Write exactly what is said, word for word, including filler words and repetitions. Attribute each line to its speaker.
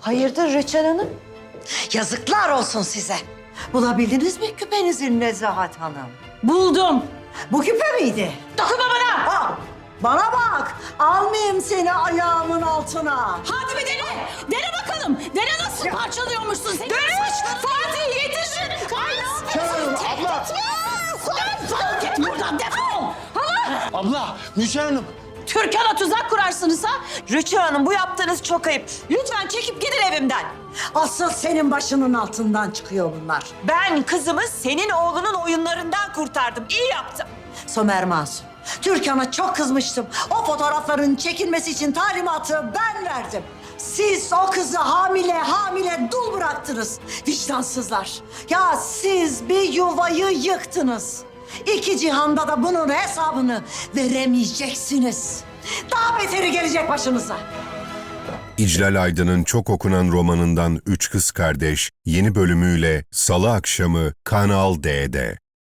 Speaker 1: Hayırdır Rüçhan Hanım?
Speaker 2: Yazıklar olsun size. Bulabildiniz mi küpenizi Nezahat Hanım?
Speaker 3: Buldum.
Speaker 2: Bu küpe miydi?
Speaker 3: Dokunma bana.
Speaker 2: Ha, bana bak. Almayayım seni ayağımın altına.
Speaker 3: Hadi bir dene. Dene bakalım. Dene nasıl parçalıyormuşsun seni. Dönüş. Fatih yetişin.
Speaker 4: Hanım, abla.
Speaker 3: Defol git buradan defol. Hala.
Speaker 4: Abla, Müjgan Hanım.
Speaker 3: Türkan'a tuzak kurarsınız ha.
Speaker 1: Rüçhan Hanım bu yaptığınız çok ayıp. Lütfen çekip gidin evimden.
Speaker 2: Asıl senin başının altından çıkıyor bunlar.
Speaker 1: Ben kızımı senin oğlunun oyunlarından kurtardım. İyi yaptım.
Speaker 2: Somer Masum. Türkan'a çok kızmıştım. O fotoğrafların çekilmesi için talimatı ben verdim. Siz o kızı hamile hamile dul bıraktınız. Vicdansızlar. Ya siz bir yuvayı yıktınız. İki cihanda da bunun hesabını veremeyeceksiniz. Daha beteri gelecek başınıza.
Speaker 5: İclal Aydın'ın çok okunan romanından Üç Kız Kardeş yeni bölümüyle Salı akşamı Kanal D'de.